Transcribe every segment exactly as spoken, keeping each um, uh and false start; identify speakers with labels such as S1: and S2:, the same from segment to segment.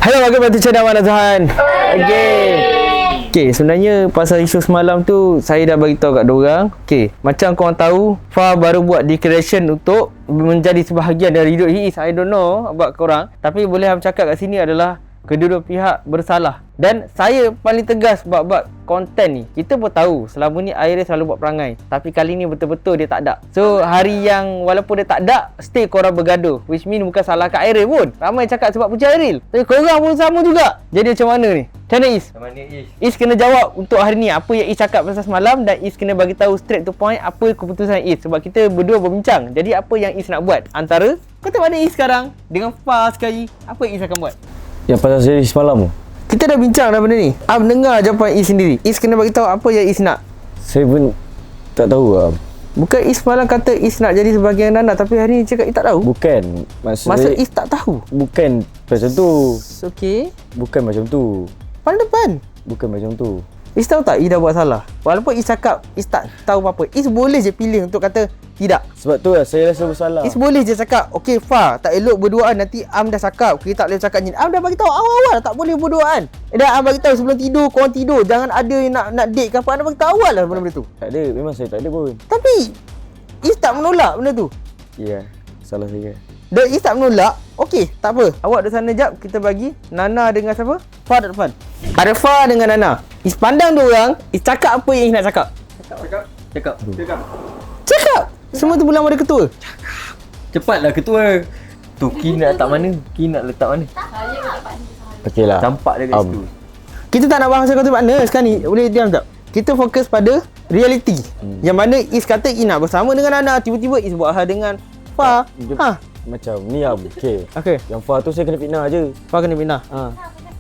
S1: Hello, welcome back to channel Mana Tuhan. Okay. Okay, sebenarnya pasal isu semalam tu saya dah bagi tahu kat diorang. Okay, macam korang tahu, Fah baru buat declaration untuk menjadi sebahagian dari hidup he is. I don't know about korang, tapi boleh aku cakap kat sini adalah kedua-dua pihak bersalah. Dan saya paling tegas bab-bab konten ni. Kita pun tahu selama ni Aire selalu buat perangai, tapi kali ni betul-betul dia tak ada. So hari yang walaupun dia tak ada, still korang bergaduh, which mean bukan salah kat Aire pun. Ramai cakap sebab Puja Airil, tapi korang pun sama juga. Jadi macam mana ni? Macam mana Is?
S2: Macam mana Is?
S1: Is kena jawab untuk hari ni apa yang Is cakap pasal semalam, dan Is kena bagi tahu straight to point apa keputusan Is. Sebab kita berdua berbincang. Jadi apa yang Is nak buat? Antara kau tengok mana Is sekarang dengan Fah sekali, apa yang Is akan buat?
S3: Yang pasal saya semalam tu,
S1: kita dah bincang dah benda ni. Am dengar jawapan Is sendiri. Is kena bagi tahu apa yang Is nak.
S3: saya pun tak tahu lah.
S1: Bukan Is semalam kata Is nak jadi sebahagian Nana, tapi hari ni cakap Is tak tahu.
S3: Bukan. Maksud
S1: Masa
S3: saya,
S1: Is tak tahu.
S3: bukan macam tu.
S1: Okey.
S3: Bukan macam tu.
S1: Depan depan.
S3: Bukan macam tu.
S1: Is tahu tak Is dah buat salah? Walaupun Is cakap Is tak tahu apa-apa, Is boleh je pilih untuk kata tidak.
S3: Sebab tu lah saya rasa bersalah.
S1: Is boleh je cakap, okey Fah, tak elok berduaan, nanti Am dah cakap kita tak boleh cakap ni. Am dah bagi tahu awal-awal tak boleh berduaan. Eh, dah Am bagi tahu sebelum tidur, korang tidur, jangan ada yang nak nak date ke apa. Am dah bagi tahu awal lah benda-benda tu.
S3: Tak ada. Memang saya tak ada pun.
S1: Tapi Is tak menolak benda tu.
S3: Ya, yeah, salah saya.
S1: Dan Is tak menolak. Okey, tak apa. Awak di sana jap, kita bagi Nana dengan siapa? Fah dekat depan. Ada Fah dengan Nana. Is pandang dua orang, Is cakap apa yang Is nak cakap.
S2: Cakap. Cakap. Cakap. Cakap.
S1: Cakap. Semua tu bilang pada ketua.
S2: Cepatlah ketua. Tu Ki nak letak mana? Ki nak letak mana?
S3: Okey lah.
S2: Campak dia kat
S3: um,
S2: situ.
S1: Kita tak nak bahas kata partner sekarang ni. Boleh diam tak? Kita fokus pada reality. Hmm. Yang mana Is kata Is nak bersama dengan Nana, tiba-tiba Is buat hal dengan Fah. Ha.
S3: Macam ni lah. Okey.
S1: Okey.
S3: Yang Fah tu saya kena fitnah je.
S1: Fah kena bina.
S3: Ha.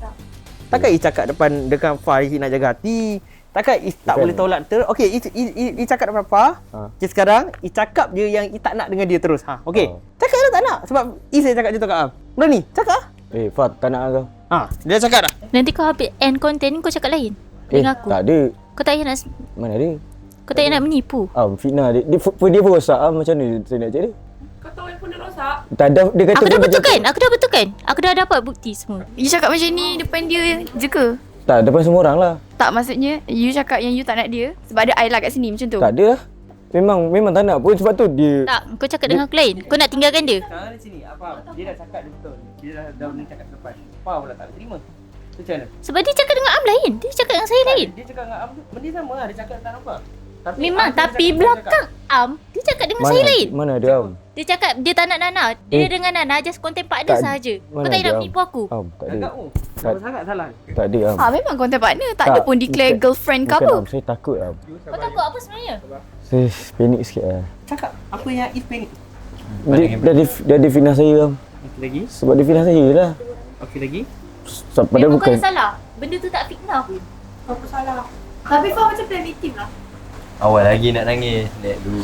S1: Takkan Is cakap depan dekat Fah Is nak jaga hati. Takkan Is tak
S3: Bukan.
S1: boleh tolak ter. Okey, Is, Is, Is, Is cakap depan Fah.
S3: Ha.
S1: Okay, sekarang Is cakap je yang Is tak nak dengan dia terus. Ha. Okey.
S3: Ha.
S1: Cakap lah tak nak sebab Is saya cakap je tu kat Am. Berani? Cakap.
S3: Eh, Fah tak nak kau.
S1: Ha, dia cakap dah.
S4: Nanti kau habis end content kau cakap lain
S3: Eh,
S4: dengan aku.
S3: tak ada.
S4: Kau tak payah nak
S3: Mana ada?
S4: kau tak payah nak menipu.
S3: Am, fitnah dia. Dia, dia, dia pun rosak. Am, macam mana saya nak cakap dia?
S5: Kau tahu handphone dia rosak?
S3: Tak ada. Dia kata
S4: Aku dah
S3: dia
S4: betulkan. Aku dah betulkan. Aku dah dapat bukti semua.
S5: You cakap macam ni depan dia je ke?
S3: Tak, depan semua orang lah.
S5: Tak, maksudnya you cakap yang you tak nak dia sebab ada I lah kat sini macam tu.
S3: Tak ada lah. Memang memang tak nak pun, sebab tu dia.
S4: Tak, kau cakap dengan aku lain. Kau nak tinggalkan dia.
S1: Sekarang di sini, apa? Dia dah cakap dia betul. Dia dah dah boleh cakap depan. Fah pula tak terima. Tu macam mana?
S4: Sebab dia cakap dengan Am lain. Dia cakap dengan saya lain.
S1: Dia cakap dengan Am tu, benda sama lah. Dia cakap tak nampak. Tapi
S4: Memang,
S1: Am tu
S4: tapi
S1: cakap-
S4: belakang Am, dia cakap dengan
S3: Mana,
S4: saya lain.
S3: mana ada Am?
S4: Dia cakap dia tak nak Nana. Dia
S3: Eh.
S4: dengan Nana just content partner
S3: Tak-
S4: sahaja. Kau
S3: mana
S4: tak payah
S3: ada,
S4: nak
S3: Am?
S4: menipu aku.
S3: Am, tak ada.
S1: Agak oh.
S3: Tak-
S1: Sama sangat salah.
S3: Tak ada Am.
S5: Ah, memang content partner. Tak, ada
S3: Tak,
S5: pun declare
S3: bukan-
S5: girlfriend ke
S3: Bukan
S5: apa.
S3: Am, saya takut Am.
S4: Kau takut apa sebenarnya?
S3: Saya panik sikit lah.
S1: Cakap apa yang Is panik.
S3: Dia, dia, dia, dia ada fitnah saya Am.
S1: Okey lagi.
S3: Sebab dia fitnah saya lah.
S1: Okey lagi.
S3: Sebab
S4: Dia
S3: padahal
S4: bukan
S3: bukan.
S4: salah. Benda tu tak fitnah pun.
S5: Apa salah? Tapi Fah macam plan victim lah.
S2: Awal lagi nak nangis. Lihat dulu.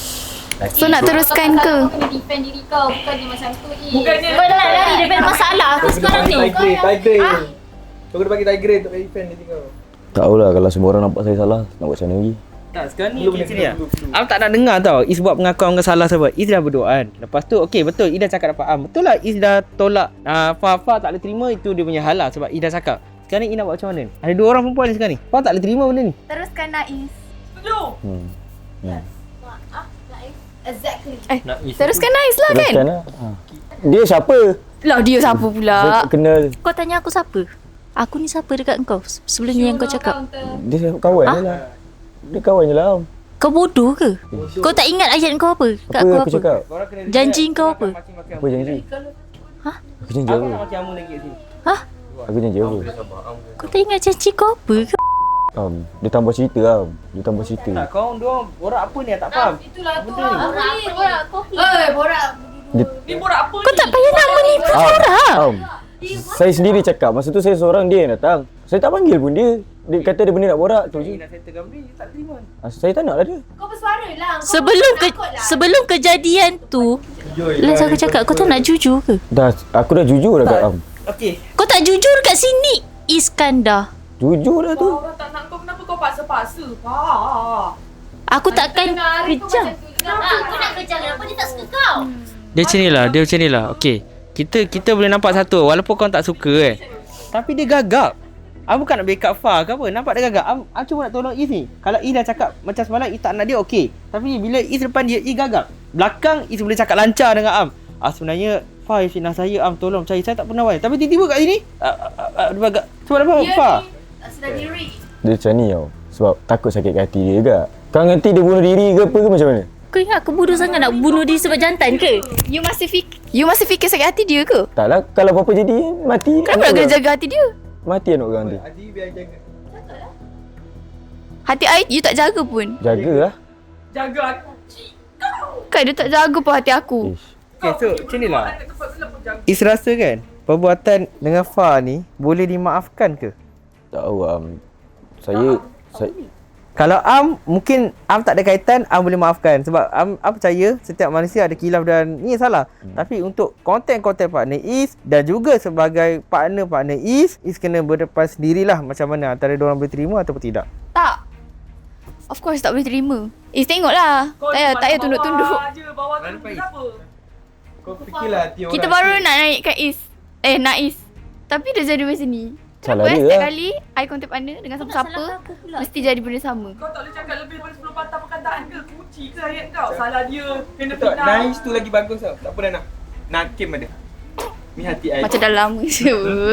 S2: Laki
S5: So nak teruskan ke?
S6: Kau kena defend diri kau, bukannya macam tu.
S5: Bukannya-
S4: Kau dah lari daripada masalah tu sekarang ni.
S2: Tiger.
S4: Ah.
S2: Kau kena bagi tiger untuk defend diri kau.
S3: Tak tahulah, kalau semua orang nampak saya salah, nak buat macam mana lagi.
S1: Tak, sekarang ni okay, sini lah. Am tak nak dengar tau Is buat pengakuan dengan salah sebab Is dah berdoaan. Lepas tu okey betul Is dah cakap dapat Am. Betul lah Is dah tolak uh, Fah Fah tak boleh terima, itu dia punya hal lah sebab Is dah cakap. Sekarang ni Is nak buat macam mana ni? Ada dua orang perempuan ni sekarang ni. Fah tak boleh terima benda ni.
S5: Teruskan Naiz.
S3: Hmm. hmm.
S6: Exactly.
S5: Eh,
S2: Nak isi
S5: teruskan Naiz lah kan?
S3: Teruskan lah. Ha. Dia siapa?
S5: Lah dia siapa
S3: Saya
S5: pula?
S3: tak kenal.
S4: Kau tanya aku siapa? Aku ni siapa dekat kau? Sebelum ni yang kau cakap.
S3: Dia kawan
S4: Ha?
S3: je lah. Dia kawan je lah Am.
S4: Kau bodoh ke? Kau tak ingat ayat kau apa? Kat
S3: Apa
S4: aku
S3: aku
S4: apa?
S3: cakap?
S4: Janji kau apa?
S3: Apa janji?
S4: Ha?
S3: Aku janji
S1: Aku
S3: apa?
S1: nak macam Amu lagi kat sini.
S4: Ha?
S3: Aku janji apa?
S4: Kau tak ingat janji kau apa ke?
S3: Am, dia tambah cerita Am. Dia tambah cerita.
S1: Tak, kau dua borak apa ni tak faham.
S6: Itulah tu
S1: Benda ni.
S6: lah. Borak apa borak kopi. Eh, borak.
S3: Dia,
S5: Ni borak apa
S4: Kau tak payah nak menipu
S3: Am,
S4: orang.
S3: Am. Saya sendiri cakap. Masa tu saya seorang, dia yang datang. Saya tak panggil pun dia. Dia kata dia benda nak borak tu je.
S1: Ni nak settle gambar ni tak terima.
S3: Ah, Saya tak nak lah dia.
S6: Kau bersuara lah. Kau
S4: Sebelum ke
S6: takut lah.
S4: sebelum kejadian tu, Laz aku cakap kau tak nak jujur ke?
S3: Dah, aku dah jujur dah kat Am.
S1: Okey.
S4: Kau tak jujur kat sini, Iskandar.
S3: Jujur dah tu.
S5: Orang tak nak kau, kenapa kau paksa-paksa? Pak.
S4: Aku takkan kejam.
S6: Kenapa kau nak kejar? Kenapa dia tak suka kau?
S1: Dia macam ni lah, dia macam ni lah. Okey. Kita kita boleh nampak satu, walaupun kau tak suka kan. Tapi dia gagap. Am bukan nak backup Fah ke apa. Nampak dia gagap. Am, Am cuma nak tolong Is ni. Kalau Is dah cakap macam semalam Is tak nak dia okey. Tapi bila Is depan dia, Is gagap. Belakang Is boleh cakap lancar dengan Am. Ah sebenarnya Fah yang fitnah saya, Am tolong cari. Saya tak pernah buat. Tapi tiba-tiba kat sini ah, ah, ah, dia gagap. Sebab apa Fah?
S6: Sudah diri.
S3: Dia macam ni tau. Sebab takut sakit hati dia juga. Kau ngerti dia bunuh diri ke apa ke macam mana?
S4: Kau ingat aku bodoh sangat nak bunuh diri sebab jantan ke?
S5: You masih fikir You masih fikir sakit hati dia ke?
S3: Taklah, kalau apa-apa jadi mati.
S5: Kenapa nak kena jaga hati dia?
S3: Mati anak orang tu.
S2: Adi biar jaga.
S5: Hati I you tak jaga pun.
S3: Jagalah.
S5: Kan dia tak jaga pun hati aku.
S3: Ish.
S1: Okay, so macam ni lah. Is rasa kan perbuatan dengan Fah ni boleh dimaafkan ke?
S3: Tak tahu am. Saya saya
S1: Kalau Am, mungkin Am tak ada kaitan, Am boleh maafkan. Sebab Am, Am percaya setiap manusia ada khilaf dan ni salah. Hmm. Tapi untuk konten-konten partner Is dan juga sebagai partner-partner Is, Is kena berdepan sendirilah macam mana antara diorang boleh terima ataupun tidak.
S5: Tak. Of course tak boleh terima. Eh tengoklah. Tak payah, tak payah tunduk-tunduk.
S2: Kau fikirlah hati orang.
S5: Kita baru nak naikkan Is. Eh nak Is. Tapi dia jadi macam ni.
S3: Salah
S5: Kenapa eh
S3: dia
S5: setiap
S3: lah.
S5: kali I contact partner dengan siapa-siapa mesti jadi benda sama.
S7: Kau tak boleh cakap lebih daripada sepuluh patah perkataan ke? Kunci ke ayat kau? Salah dia. Kena
S2: Tak,
S7: fitnah.
S2: nice tu lagi bagus tau. Tak pernah nak. Nakim ada. Ni hati I.
S5: Macam dah lama je.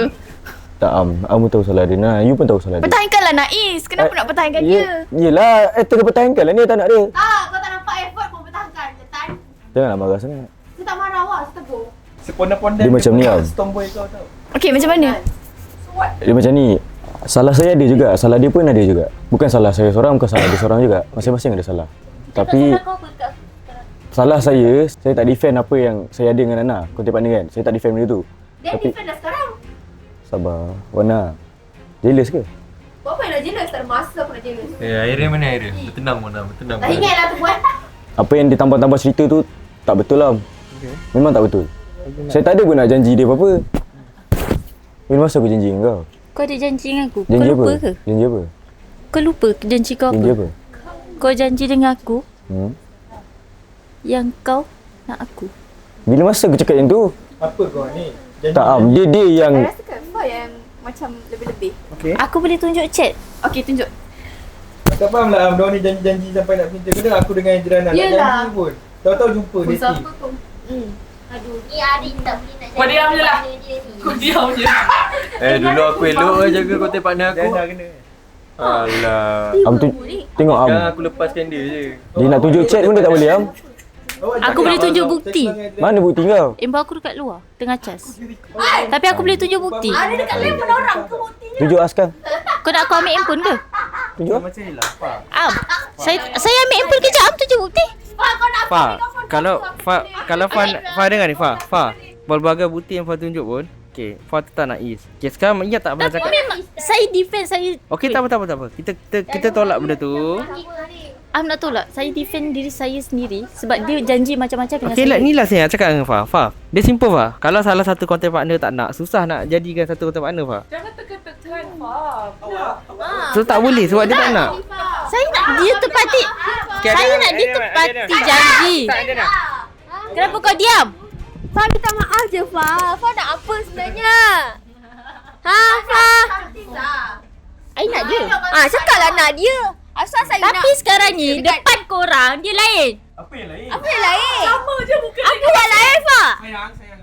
S3: tak am. Am tahu salah dia. Nah, you pun tahu salah dia.
S5: Pertahankanlah Naiz. Kenapa
S3: Eh,
S5: nak pertahankan
S3: ye,
S5: dia?
S3: Yelah, eh terus pertahankan lah ni tak nak dia.
S6: Tak, kau tak nampak effort pun bertahankan. Jetan.
S3: Janganlah marah sangat.
S6: Saya tak marah awak, saya tegur.
S2: Seponda-ponda
S3: Dia macam ni, Am.
S2: Tomboy kau tau.
S5: Okay macam mana?
S3: Dia macam ni. Salah saya ada juga, salah dia pun ada juga. Bukan salah saya seorang, bukan salah dia seorang juga. Masing-masing ada salah. Tapi
S6: Kau apa kat
S3: salah saya, saya tak defend apa yang saya ada dengan Nana. Kontak partner kan. Saya tak defend benda tu.
S6: dia
S3: Tapi-
S6: defend dah sekarang.
S3: Sabar. Wana. Jealous ke?
S6: Buat apa yang nak jealous? Tak ada masa aku nak jealous.
S2: Eh, akhirnya mana akhirnya? Bertenang mana? Bertenang.
S6: Tak ingat lah tu buat.
S3: Apa yang ditambah-tambah cerita tu tak betul lah.
S1: Okay.
S3: Memang tak betul. Saya tak ada pun nak janji dia apa-apa. Bila masa aku janji dengan kau?
S4: Kau ada janji dengan aku?
S3: Janji
S4: kau
S3: apa?
S4: lupa ke?
S3: Janji apa?
S4: Kau lupa janji kau
S3: Janji
S4: apa?
S3: apa?
S4: Kau janji dengan aku
S3: Hmm?
S4: yang kau nak aku.
S3: Bila masa aku cakap yang tu?
S2: Apa kau ni? Janji.
S3: Tak am, dia dia yang
S5: I rasa kan Fah yang macam lebih-lebih.
S2: Okey.
S4: Aku boleh tunjuk chat.
S5: Okay tunjuk.
S2: Tak faham lah Am. Diorang ni janji-janji sampai nak pinta. Kadang aku dengan Jiran nak
S6: Yelah.
S2: janji pun. Tahu-tahu jumpa
S6: Pun
S2: dating.
S6: siapa pun. Hmm. Aduh, ni Ari tak boleh nak
S7: Kau diam je lah.
S6: partner dia ni.
S7: Kau diam je.
S2: Eh, dulu aku elok lah jaga kontak partner aku.
S1: Dah kena.
S2: Alah.
S3: am tu, tengok am.
S2: Sekarang aku lepaskan dia je.
S3: Dia nak tunjuk chat pun dia tak boleh am.
S4: Aku boleh tunjuk bukti.
S3: Mana bukti kau?
S4: Info aku dekat luar tengah cas. Tapi aku boleh tunjuk bukti.
S6: Ada dekat telefon orang ke buktinya?
S3: Tunjuk Askan.
S4: Kau nak aku ambil handphone ke?
S3: Tunjuk.
S2: Macam ni lah, Fah.
S4: Am, saya saya ambil handphone kejap. Am tunjuk bukti.
S6: Fah, kau nak
S1: Fa, kalau Fa, kalau Fa, Fa dengar ni Fa, Fa. Berbagai bukti yang Fa tunjuk pun, okey, Fa tetap nak Is. Okey, sekarang ingat tak pernah cakap.
S4: Memang saya defend saya.
S1: Okey, tak apa tak apa tak apa. Kita kita, kita tolak benda tu.
S4: Am nak tolak. Saya defend diri saya sendiri sebab dia janji macam-macam dengan
S1: Okey,
S4: saya.
S1: lah, ni lah saya nak cakap dengan Fa. Fa, dia simple Fa. Kalau salah satu content partner tak nak, susah nak jadikan satu content partner Fa.
S7: Jangan tekan-tekan Fah.
S1: So tak boleh sebab dia tak nak.
S4: Saya nak dia tepati. Saya nak dia tepati janji. Kenapa kau diam?
S6: Fah minta maaf je Fah. Fah nak apa sebenarnya? Ha Fah?
S4: I nak dia.
S6: Ah, cakaplah nak dia. Asal saya nak.
S4: Tapi sekarang ni depan korang dia lain.
S2: Apa yang lain?
S6: Apa yang lain?
S7: Sama je muka dia.
S6: Apa yang lain Fah?
S2: Sayang, sayang.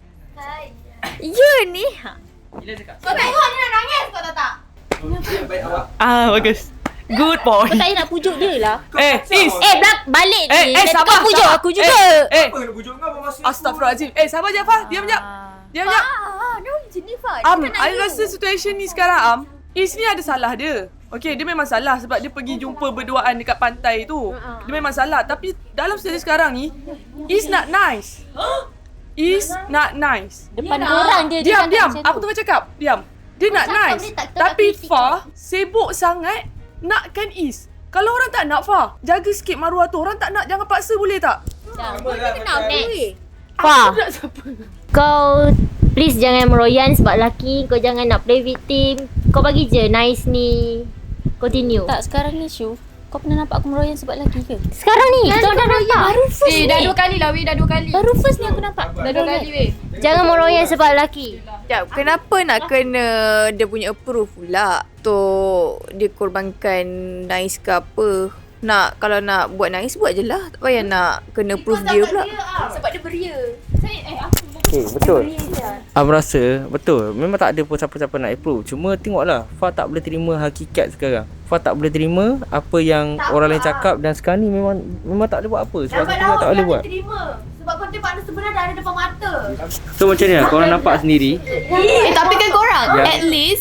S6: Ya ni.
S2: Gila cakap.
S6: Kau tengok dia nak nangis kau tahu tak?
S2: Baik awak.
S7: Ah, bagus. Good boy.
S4: Kau tak payah nak pujuk dia lah.
S7: Eh, Is.
S4: Eh, belak balik ni.
S7: Eh, eh,
S4: Nanti
S7: sabar,
S4: kau pujuk
S7: sabar.
S4: aku juga.
S7: Eh,
S2: Apa yang bujuk kau masa?
S7: Astaghfirullahaladzim. Eh, sabar je Fah. Diam jap. Diam jap.
S6: Ah, dia macam ni Fah.
S7: Am, I rasa situasi ni sekarang Am, Is ni ada salah dia. Okay, dia memang salah sebab dia pergi jumpa berduaan dekat pantai tu. Dia memang salah. Tapi dalam situasi sekarang ni, Is not nice. Is not nice.
S4: Depan korang dia dia
S7: Diam,
S4: cakap
S7: diam.
S4: macam
S7: Aku
S4: tu.
S7: tengah cakap. Diam. Dia nak
S6: cakap
S7: nice.
S6: dia tak- tak
S7: Tapi
S6: kritik
S7: Fah sibuk sangat nakkan Is. Kalau orang tak nak Fah, jaga sikit maruah tu. Orang tak nak, jangan paksa boleh tak?
S6: Kenapa weh?
S4: Fah,
S7: Aku nak siapa?
S8: Kau please jangan meroyan sebab lelaki. Kau jangan nak play victim. Kau bagi je nice ni. Continue.
S4: Tak, sekarang ni Syu. Kau pernah nampak aku meroyan sebab lelaki ke?
S8: Sekarang ni kita dah nampak.
S4: Baru first
S5: Eh,
S4: ni.
S5: dah dua kali lah weh, dah dua kali.
S4: Baru first ni aku nampak.
S5: Dah dua kali weh.
S8: Jangan meroyan sebab lelaki.
S6: Sekejap, kenapa nak kena dia punya approve pula? Untuk dia korbankan Nais ke apa? Nak, kalau nak buat Nais, buat je lah. Tak payah nak kena proof dia pula.
S5: Sebab dia beria.
S1: Okay, betul. Am rasa betul. Memang tak ada pun siapa-siapa nak approve. Cuma tengoklah, Fah tak boleh terima hakikat sekarang. Fah tak boleh terima apa yang tak orang lain cakap dan sekarang ni memang memang tak boleh buat apa. Sebab
S5: Lambat
S1: kita
S5: laut
S1: tak boleh
S5: dia
S1: buat.
S5: terima. Sebab kau tengok partner sebenar dah ada depan mata.
S1: So macam ni lah, korang nampak sendiri.
S5: Eh, tapi kan korang,
S1: Ya.
S5: at least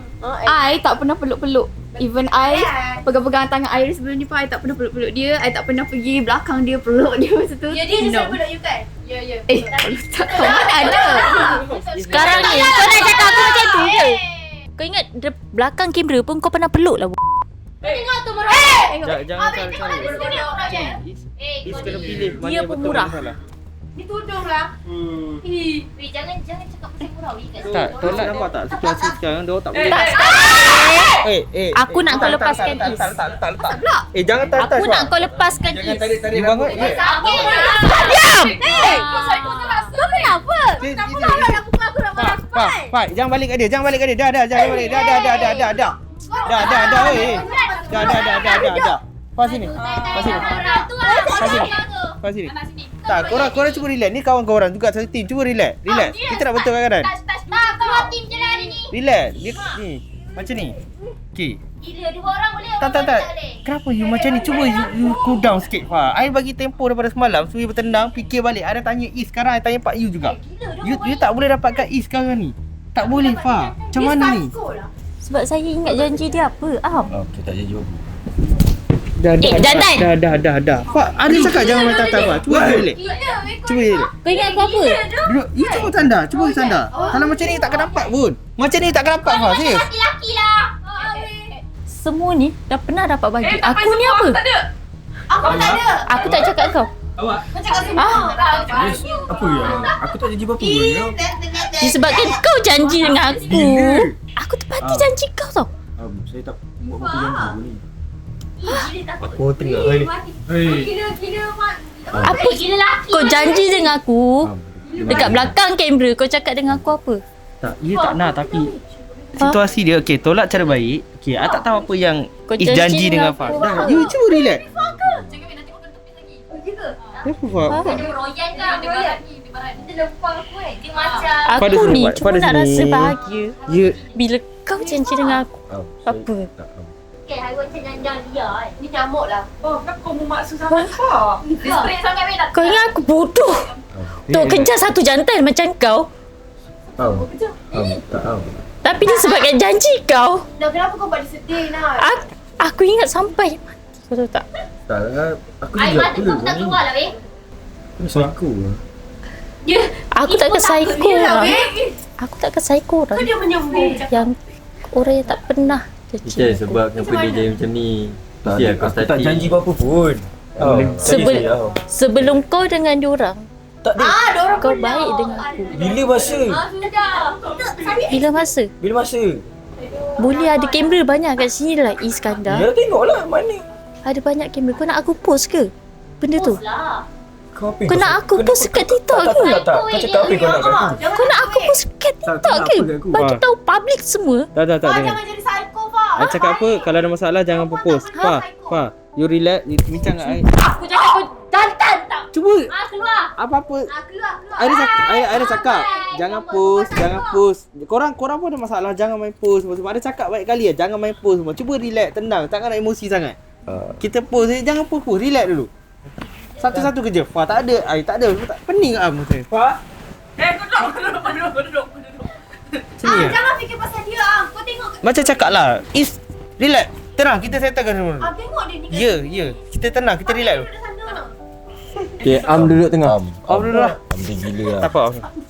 S5: I tak pernah peluk-peluk. Even I pegang-pegang tangan I sebelum ni pun I tak pernah peluk-peluk dia. I tak pernah pergi belakang dia peluk dia masa tu. Ya, dia je selalu peluk you kan? Ya, ya. Eh, tak tahu mana ada.
S4: Sekarang ni kau nak cakap aku macam tu ke? Kau ingat de- belakang kamera pun kau pernah peluk lah.
S5: Tengok tu Merayak.
S1: Jangan jangan cari-cari. Is kena pilih mana
S4: Dia
S1: yang betul
S4: pemurah.
S1: mana salah.
S5: Ni tudung lah.
S8: Weh, jangan jangan cakap pasal murah weh kat
S1: Tak, tolak nampak tak situasi sekarang dia orang tak boleh.
S4: Tak,
S1: Eh, eh.
S4: Aku
S1: eh,
S4: nak
S1: letak,
S4: kau
S1: letak,
S4: lepaskan
S1: letak,
S4: Is.
S1: letak, letak, letak, letak. Eh, jangan touch touch.
S4: Aku nak kau lepaskan
S1: Jangan
S4: Is.
S1: tarik-tarik bangun. Eh,
S4: Diam!
S5: Eh, kau psycho sangat. Kau kenapa?
S1: Sini,
S5: Tak
S1: sini,
S5: pernah
S1: sini.
S5: nak pukul aku nak marah
S1: Pak, Pak, Pak, jangan balik kat dia, jangan balik kat dia. Dah, dah, jangan balik. Dah, dah, dah, dah, dah, dah. Dah, dah, dah, oi. Dah, dah, dah, dah, dah, dah. Pas sini. Pas sini. Pas sini. Pas sini. Tak, korang korang cuba relax. Ni kawan korang juga satu team. Cuba relax. Relax. Kita nak betulkan keadaan.
S8: Tak, keluar tim je lah hari ni.
S1: Relax. Dia ni. Macam ni. Okey.
S8: Gila, dua orang boleh,
S1: Tak,
S8: orang
S1: tak, tak.
S8: boleh.
S1: Kenapa you macam ni? Cuba you, you cool down sikit, Fa. I bagi tempo daripada semalam. So, you bertendang, fikir balik. Ada tanya Is, sekarang I tanya Pak You juga. You, you tak boleh dapatkan Is sekarang ni. Tak boleh, Fa. Macam mana ni?
S4: Sebab saya ingat janji dia apa? Am.
S3: Okey, tak jadi apa.
S1: Dah, dah,
S4: Eh,
S1: dah,
S4: jantan.
S1: dah, dah, dah, dah. Fa, ada cakap jangan main tata, Fa. Cuba relax. Cuba relax.
S4: Kau ingat aku apa?
S1: Duduk, you cuba tanda. Cuba tanda. Kalau macam ni, takkan dapat pun. Macam ni, takkan dapat, Fa. Serius.
S8: Laki-laki lah.
S4: Semua ni dah pernah dapat bagi. Aku ni apa?
S5: Tak ada. Aku pun tak ada.
S4: Aku tak cakap kau.
S5: Kau cakap semua.
S3: Apa ya? Aku tak janji apa-apa pun. Ya.
S4: Disebabkan kau janji dengan aku. Aku tepati janji kau tau.
S3: Um, saya tak buat apa-apa janji pun ni.
S1: Aku tengok. Hei.
S5: Kira-kira mak.
S4: Apa
S8: Gila laki.
S4: kau janji dengan aku?
S3: Um,
S4: Dekat belakang kamera kau cakap dengan aku apa?
S1: Tak, you tak nak tapi situasi dia okey, tolak cara baik. Okey, I tak tahu apa yang
S4: Kau
S1: Is
S4: janji
S1: janji dengan
S4: dengan
S1: Fa.
S4: aku.
S1: Dah, you cuba relax.
S5: Jangan nak tengok tepi lagi.
S1: Kenapa, Fa?
S8: Dia royan kan, dia royan. Dia lempar aku eh. Dia macam
S1: Pada
S4: Aku
S1: sini,
S4: ni
S1: Pak.
S4: cuma
S1: Pada
S4: nak
S1: sini.
S4: rasa bahagia
S1: You
S4: bila kau janji dengan aku.
S3: um,
S4: Apa?
S3: Tak, um.
S8: okay, haiwan macam janjang dia kan.
S5: Ni nyamuk lah.
S7: Oh, kenapa kau memaksa sangat, Fa?
S5: Dia straight sangat weh dah.
S4: Kau ingat aku bodoh? Tok kejar satu jantan macam kau.
S3: Um, um, tak, um.
S4: Tapi disebabkan janji kau,
S5: Nah, kenapa kau buat dia sedih nak?
S4: aku, aku ingat sampai mati. Kau tahu tak?
S3: Tak, aku
S8: Air
S3: juga
S8: mata
S3: pula
S8: kau tak
S3: ni.
S8: keluar lah weh.
S3: Aku psycho lah.
S8: Dia
S4: Aku tak ke psycho
S5: Dia lah
S4: orang.
S5: weh.
S4: Aku tak ke psycho orang.
S5: Kau dia menyembung.
S4: Yang orang yang tak pernah janji.
S2: Kita sebab kenapa dia jadi macam ni.
S3: Tak,
S2: Mesti
S3: ada,
S2: aku
S3: aku tak
S2: starting.
S3: janji apa-apa pun. Oh,
S4: Sebel- sebelum kau dengan diorang,
S3: tak ada.
S5: Ah, dia orang
S4: kau baik dengan aku.
S3: Bila masa?
S5: Ah, sudah.
S4: Bila masa?
S3: Bila masa?
S4: Boleh ada kamera banyak kat sini lah Iskandar.
S3: Ya, tengoklah mana.
S4: Ada banyak kamera. Kau nak aku post ke? Benda tu.
S8: lah.
S3: Kau apa?
S4: Kau nak aku post kat TikTok
S3: Tak,
S4: ke?
S3: tak, tak. Kau cakap apa kau nak kat aku?
S4: Kau nak aku post kat
S3: Tak,
S4: TikTok
S3: tak,
S4: ke?
S3: apa kat aku?
S4: Bagi
S1: Fah.
S4: tahu public semua.
S1: dah dah tak
S5: Fah,
S1: dengar.
S5: jangan jadi psycho, Fah.
S1: I cakap apa? Kalau ada masalah jangan propose. Fa, Fa, you relax, you bincang dengan I.
S8: Aku cakap kau jantan tak.
S1: Cuba
S8: Ah, keluar.
S1: apa-apa.
S5: Ah, keluar, keluar.
S1: I dah cakap, I, I dah cakap jangan post, jangan post. Korang korang pun ada masalah, jangan main post semua. Sebab ada cakap baik kali ya, jangan main post semua. Cuba relax, tenang, jangan nak emosi sangat.
S3: Uh,
S1: Kita post je, jangan post post, relax dulu. Satu-satu kerja. Fa, tak ada, I tak ada. Tak pening am saya. Fa,
S7: Eh, kau duduk, kau duduk, kau duduk, kau duduk, kau duduk.
S1: sini
S5: Ah,
S1: ya.
S5: jangan fikir pasal dia. Ah, kau tengok.
S1: Macam cakap lah, is relax. Tenang, kita settlekan semua.
S5: Ah, tengok dia ni.
S1: Ya, ya. Kita tenang, kita relax dulu.
S5: Duduk sana.
S2: Okay, Am duduk tengah.
S3: Am,
S1: Am dulu lah.
S3: Am dia gila lah.
S1: Tak apa.